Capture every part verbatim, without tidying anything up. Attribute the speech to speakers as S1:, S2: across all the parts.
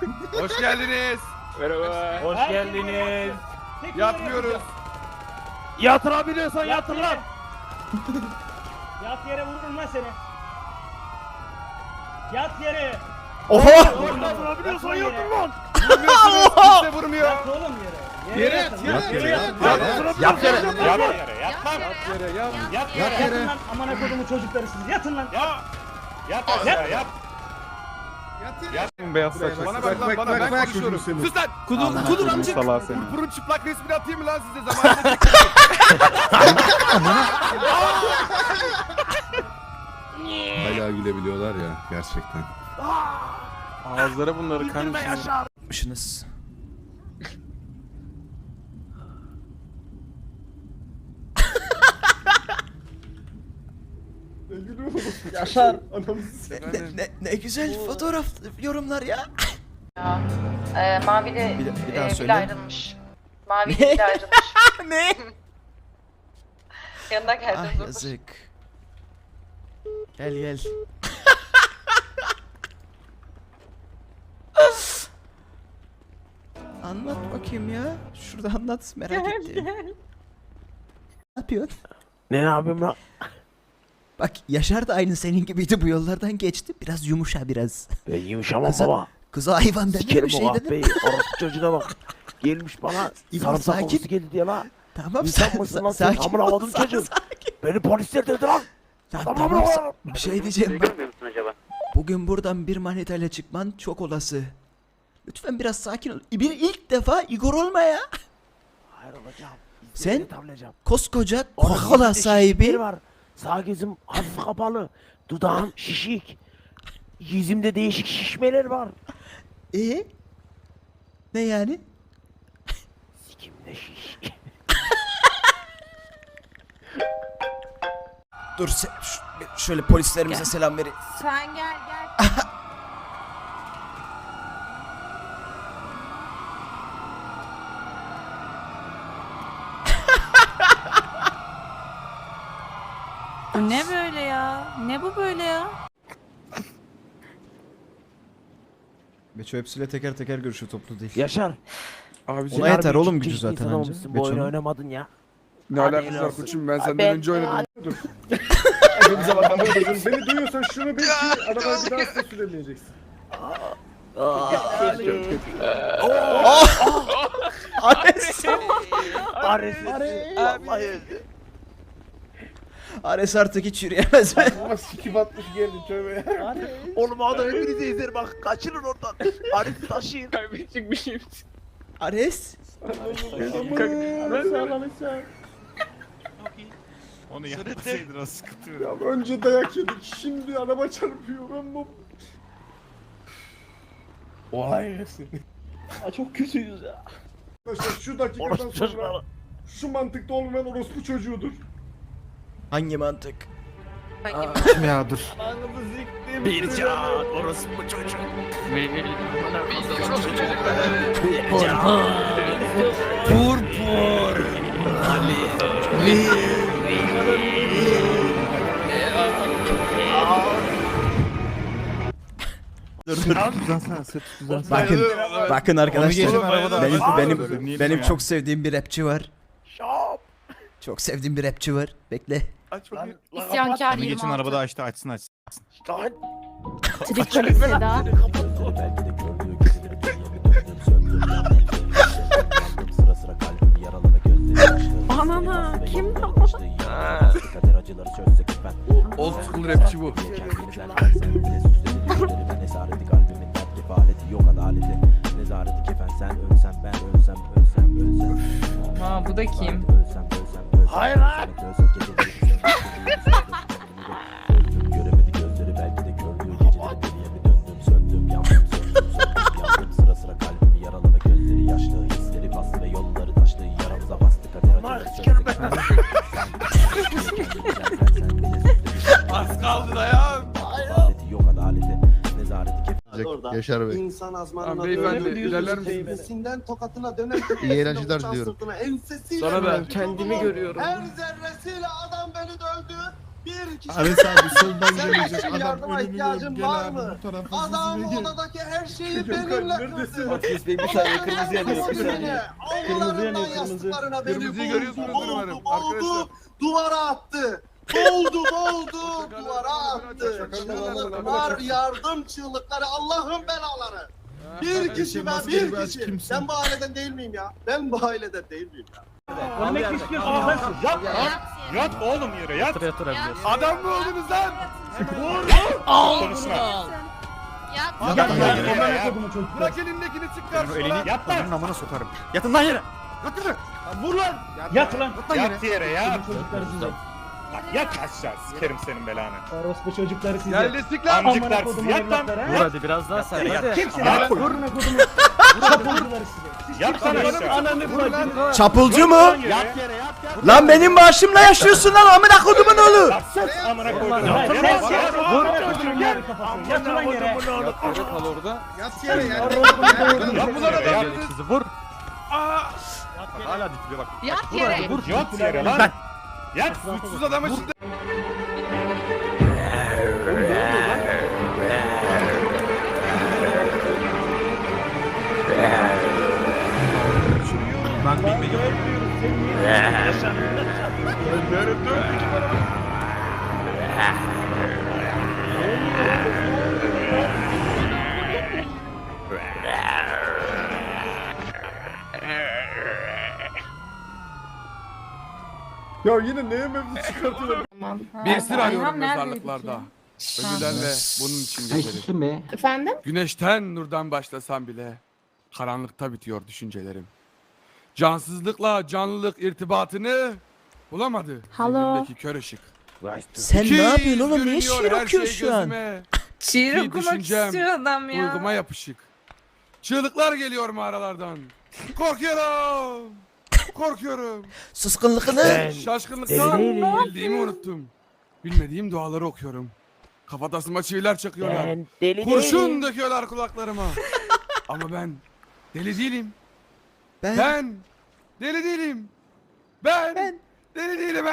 S1: Hoş geldiniz.
S2: Merhaba.
S3: Hoş geldiniz.
S1: Yatmıyoruz.
S3: Yatırabiliyorsan yatır lan.
S4: Yat yere vururum lan seni. Yat yere.
S5: Oha!
S3: Yatırabiliyorsan yatır lan.
S1: Vurmuyorsunuz. Kimse vurmuyor.
S4: Yat oğlum yere.
S1: Yere
S4: yatın,
S1: yat, yere yat.
S3: Yat yere. Yat yere. Yat lan.
S1: Yat yere yat.
S3: Yat
S4: Yat
S3: yere.
S4: yatın lan amına kodumu çocukları siz. Yatın lan.
S3: Ya. Yat aşağı yat.
S1: Beyaz saç. Bana bak lan bana ben konuşuyorum. Sus lan. Kudur kudur amcık. Purpurun çıplak resmini atayım mı lan size zamanında?
S6: Hala gülebiliyorlar ya gerçekten.
S1: Ağızlara bunları karmışsınız.
S5: Yapmışsınız.
S4: Yaşar.
S5: Ne, ne, ne güzel fotoğraf yorumlar ya.
S7: Ya, e, Mavi de
S5: Bir, da- bir daha
S7: e,
S5: söyle.
S7: bile ayrılmış. Mavi
S5: Ne?
S7: de bile ayrılmış.
S5: Ne?
S7: Yanına geldim.
S5: Ah
S7: dur.
S5: yazık. Gel gel. Anlat bakayım ya. Şurada anlat merak ettim. Ne yapıyorsun?
S3: Ne yapayım lan?
S5: Bak Yaşar da aynı senin gibiydi, bu yollardan geçti. Biraz yumuşa biraz.
S3: Ben yumuşamam
S5: Kıza-
S3: baba.
S5: Kıza hayvan deme,
S3: Sikerim
S5: bir şey
S3: o
S5: dedim.
S3: kahpeyi. Orospu çocuğuna bak. Gelmiş bana
S5: İbo,
S3: sarımsak
S5: sakin.
S3: kokusu geldi diye lan.
S5: Tamam
S3: İnsan
S5: sen,
S3: mısın
S5: sa-
S3: lan sen?
S5: sakin
S3: Amına
S5: ol,
S3: koydum
S5: sa-
S3: çocuğum.
S5: sakin.
S3: Beni polisler dedi lan.
S5: Ya
S3: Tamam,
S5: tamam,
S3: tamam.
S5: sa- bir şey diyeceğim bak.
S2: acaba?
S5: Bugün buradan bir manitayla çıkman çok olası. Lütfen biraz sakin ol. Bir ilk defa Igor olma ya.
S3: Hayır olacağım.
S5: Sen-
S3: İzlerini tavlayacağım.
S5: Koskoca
S3: Orada
S5: Coca-Cola
S3: yüzde
S5: sahibi.
S3: şişleri var. Sağ gözüm hafif kapalı. Dudağım şişik. Yüzümde değişik şişmeler var.
S5: E? Ne yani?
S3: Sikimde şiş.
S5: Dur sen, ş- şöyle polislerimize selam verin.
S7: Sen gel gel.
S8: Bu ne böyle ya? Ne bu böyle ya?
S5: Beço hepsiyle teker teker görüşüyor, toplu değil.
S3: Yaşar.
S1: Abiciğim
S5: Ona yeter
S3: harbi
S5: oğlum
S3: ciddi
S5: gücü zaten
S3: insan
S5: anca.
S3: olmuşsun, Bu oyunu
S5: Beço'nun.
S3: oynamadın ya.
S1: ne
S3: Hadi
S1: alakası
S3: helal
S1: var
S3: olsun.
S1: koçum ben senden
S3: Ben-
S1: önce oynadım. Dur.
S6: Hepimize bak beni duyuyorsan şunu bil ki arabayı bir daha size süremeyeceksin.
S5: Ares!
S3: Ares. Vallahi öldü.
S5: Ares artık hiç yürüyemez be.
S6: Ama sikip atmış geldi tövbe ya.
S3: Oğlum o adam hepinize izler bak. Kaçırın oradan. Ares'i taşıyın.
S2: Kaybedecek bir şey.
S5: Ares!
S1: Onu yapmasaydın o sıkıntı yok.
S6: Ya önce dayak yedik şimdi araba çarpıyor ben bu. Olay hepsi.
S3: Çok kötüyüz ya.
S6: Arkadaşlar şu dakikadan
S3: Orospu
S6: sonra
S3: çocukları.
S6: şu mantıkta olmayan orospu çocuğudur.
S5: Hangi mantık?
S1: Kim ya dur.
S3: Bir can orospu çocuk.
S5: Purpur! Dur dur. Bakın, bakın arkadaşlar. Benim benim benim çok sevdiğim bir rapçi var.
S3: Şap.
S5: Çok sevdiğim bir rapçi var. Bekle.
S3: Aç bakayım.
S8: İsyankar yirmi altı.
S1: açtı açsın açsın.
S3: Lan.
S8: Trikoli Seda. Anana kim
S1: Old school rapçi bu.
S8: Ha bu da kim?
S3: Hayır lan.
S9: Göremedi gözleri belki de gördüğü geceleri deliye mi döndüm söndüm yandım söndüm söndüm yandım sıra sıra kalbimi yaraladı gözleri yaşlı hisleri bastı ve yolları taştı yaramıza bastı kader acıları
S3: sikerim ben.
S1: Az kaldı dayan.
S9: adaleti yok adaleti nezareti kef
S6: Yaşar Bey.
S10: İnsan azmanına
S1: Tamam, beyefendi,
S10: döner,
S1: ilerler misiniz?
S10: tepesinden tokatına döner.
S6: İyi eğlenceler
S10: uçan
S6: diliyorum.
S10: sırtına, ensesiyle
S1: Sana da.
S10: vurdu.
S1: Kendimi görüyorum.
S10: Her zerresiyle adam beni dövdü. Bir kişi.
S1: Ares abi soldan
S10: Sen
S1: gelecek
S10: benim
S1: adam
S10: yardıma
S1: önümü
S10: ihtiyacın
S1: gel
S10: var
S1: abi
S10: mı?
S1: bu tarafa
S10: Adam
S1: hızlı gel.
S10: odadaki her şeyi
S6: Gökhan,
S10: benimle
S6: neredesin?
S10: kırdı.
S4: Ateş Bey bir saniye kırmızı yanıyor bir saniye.
S10: Avlularından
S4: yanıyor, kırmızı.
S10: yastıklarına beni
S1: Kırmızıyı
S10: boğdu,
S1: görüyorsunuz
S10: boğdu,
S1: umarım,
S10: boğdu,
S1: arkadaşlar.
S10: duvara attı. Boğdu, boğdu, duvara attı.
S6: Şakalar,
S10: Çığlıklar, yardım çığlıkları, Allah'ın belaları. Bir kişi ben, bir kişi. Ben bu aileden değil miyim ya? Ben bu aileden değil miyim ya?
S4: Ölmek mi istiyorsun? Sen sus. Yat.
S8: Yat
S4: oğlum yere yat.
S1: Adam mı oldunuz lan?
S4: Konuşma.
S7: Yat.
S4: Yat
S6: Yat
S4: lan
S6: lan.
S4: yere. Kodumu çocuklar.
S1: Bırak elindekini çık karşıma.
S4: Yat lan.
S5: Amına sokarım. Yatın lan yere.
S4: Vur lan. Yat lan.
S11: Yat yere ya.
S4: Kodumu çocukları size.
S11: Bak yat aşağı sikerim senin belanı.
S4: Orospu çocukları size.
S1: Gel destek lan.
S11: Amcıklar
S4: Amına
S11: sizi
S4: kodumun
S11: yat lan.
S4: evlatları, ha?
S11: Yat.
S5: Hadi biraz daha sen.
S11: Yat.
S5: Hadi.
S4: Kimsin
S11: Yat.
S4: lan? Vurma kodumu. Çapulcuları size. Siz
S11: Yat lan
S4: kimsiniz?
S11: aşağı.
S4: Ananı bacını.
S5: Çapulcu mu?
S11: Yat
S4: yere yat yat.
S5: Lan benim maaşımla yaşıyorsun lan amına kodumun oğlu.
S11: Lan sus amına koydum.
S4: Lan
S11: Yat
S4: sen
S11: lan.
S4: yat. Vurma kodumun yarı kafasını. Yat lan yere.
S1: Yat yere ya.
S11: Yat
S1: bunlara
S11: yere,
S1: da
S11: yat.
S1: yaptınız.
S5: Vur.
S1: Hala titriyor bak.
S7: Yat yere.
S11: Yat yere lan. Yat.
S1: Suçsuz adama şimdi.
S5: Ben bilmedim.
S6: Ya yine neye mevzu çıkartıyorlar?
S1: Bir sır arıyorum mezarlıklarda. Ölülerle bunun için gezerim.
S7: Efendim?
S1: Güneşten nurdan başlasam bile karanlıkta bitiyor düşüncelerim. Cansızlıkla canlılık irtibatını bulamadı.
S8: Halo.
S1: Zihnimdeki kör ışık.
S5: Sen
S1: İkiz
S5: ne yapıyorsun oğlum? Niye
S1: görünüyor
S5: şiir
S1: her
S5: okuyorsun
S1: şey
S5: şu an?
S1: gözüme.
S8: Şiir
S1: Bir
S8: okumak
S1: düşüncem,
S8: istiyor adam ya.
S1: Uyguma yapışık. Çığlıklar geliyor mağaralardan. Korkuyorum. Korkuyorum.
S5: Suskunluğunu.
S3: Ben
S1: Şaşkınlıktan
S3: deli değilim.
S1: bildiğimi unuttum. Bilmediğim duaları okuyorum. Kafatasıma çiviler çakıyorlar.
S3: Ben deli
S1: Kurşun
S3: değilim.
S1: döküyorlar kulaklarıma. Ama ben deli değilim.
S5: Ben,
S1: Ben deli değilim. Ben,
S5: Ben-
S1: deli değilim.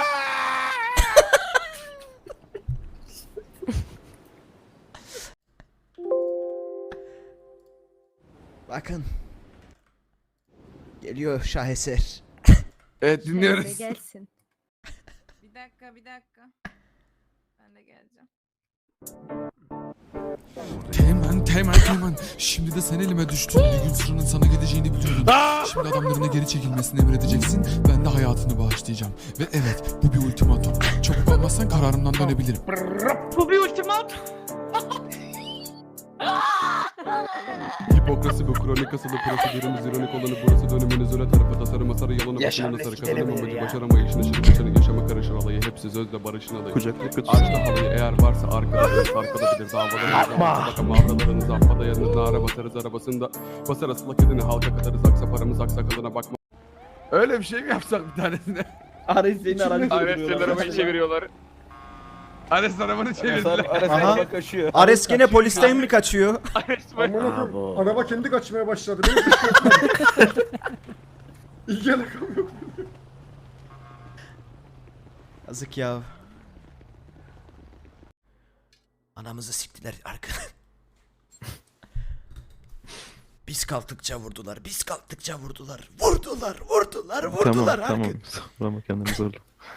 S5: bakın. Geliyor şaheser.
S1: Evet dinliyoruz.
S8: Gelsin. Bir dakika bir dakika. Ben de geleceğim.
S12: Teğmen, teğmen, teğmen. Şimdi de sen elime düştün. Bir gün sıranın sana gideceğini biliyordum. Şimdi adamlarına geri çekilmesini emredeceksin. Ben de hayatını bağışlayacağım. Ve evet, bu bir ultimatum. Çabuk olmazsan kararımdan dönebilirim.
S8: Bu bir ultimat.
S1: Hipokrasi bu kronik asılı prosedürümüz ironik olanı burası döneminiz öne tarafa tasarım masarı yalanı
S3: Yaşar
S1: bakımına sarı
S3: Mesut
S1: kazanım
S3: Elemen'i
S1: amacı
S3: ya.
S1: başaramayışını şırıp içeri yaşama karışır alayı hepsi sözle barışın alayı. Açta halayı eğer varsa arkada biraz arkada bilir davalarınızı
S3: Yapma.
S1: bakın mağaralarınızı affada yanınızda ara basarız arabasında basar asılak edini halka katarız aksa paramız aksakalına bakma. Öyle bir şey mi yapsak bir tanesine?
S4: Ares seni aracı
S2: Ares'ten arabayı çeviriyorlar.
S1: Ares arabanı çevirdiler.
S5: Aha. Ares gene polisten mi kaçıyor?
S2: Ares bak.
S6: Aman akım.
S3: Bravo.
S6: Araba kendi kaçmaya başladı. Benim kışkırtmam. İlgi alakam yok.
S5: Yazık ya. Anamızı siktiler arkada. Biz kalktıkça vurdular. Biz kalktıkça vurdular. Vurdular, vurdular, vurdular. Tamam, tamam.
S12: Tamam, kendimi zorla.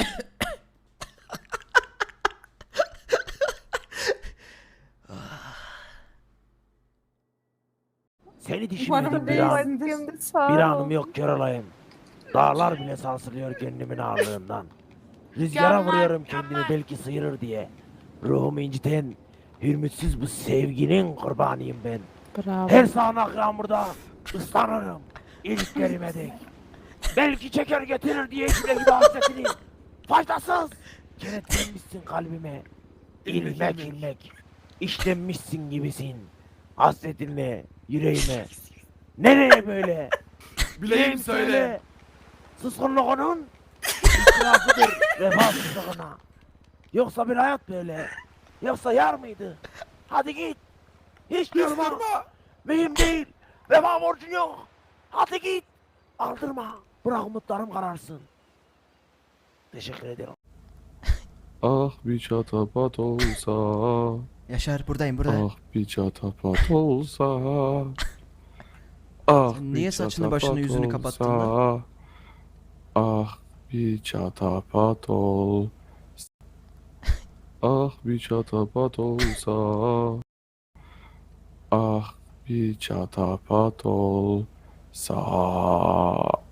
S3: Seni düşünmedim bir an. Bir anım yok kör olayım. Dağlar bile sarsılıyor kendimin ağırlığından. Rüzgara
S7: Mükemmel,
S3: vuruyorum kendimi
S7: mükemmel.
S3: belki sıyırır diye. Ruhumu inciten hürmetsiz bu sevginin kurbanıyım ben.
S8: Bravo.
S3: Her sağanak yağmurda ıslanırım. İlk kelime dek. Belki çeker getirir diye içimde gibi hasretini. Faydasız. Kenetlenmişsin kalbime. İlmek ilmek. İşlenmişsin gibisin. Hasretinle yüreğime. Nereye böyle?
S1: Bileyim
S3: Kim
S1: söyle.
S3: Suskunluğunun itirafıdır vefasızlığına. Yoksa bir hayat böyle. Yoksa yar mıydı? Hadi git. Hiç durma. Mühim değil. Vefa borcun yok. Hadi git. Aldırma. Bırak umutlarım kararsın. Teşekkür ederim.
S1: Ah bir çatapat olsa.
S5: Yaşar buradayım buradayım.
S1: Ah bir çatapat olsa. Ah
S5: Sen
S1: bir
S5: niye saçını başını
S1: çatapat
S5: yüzünü kapattın
S1: olsa. Ah bir çatapat ol. Ah bir çatapat olsa. Ah bir çatapat olsa.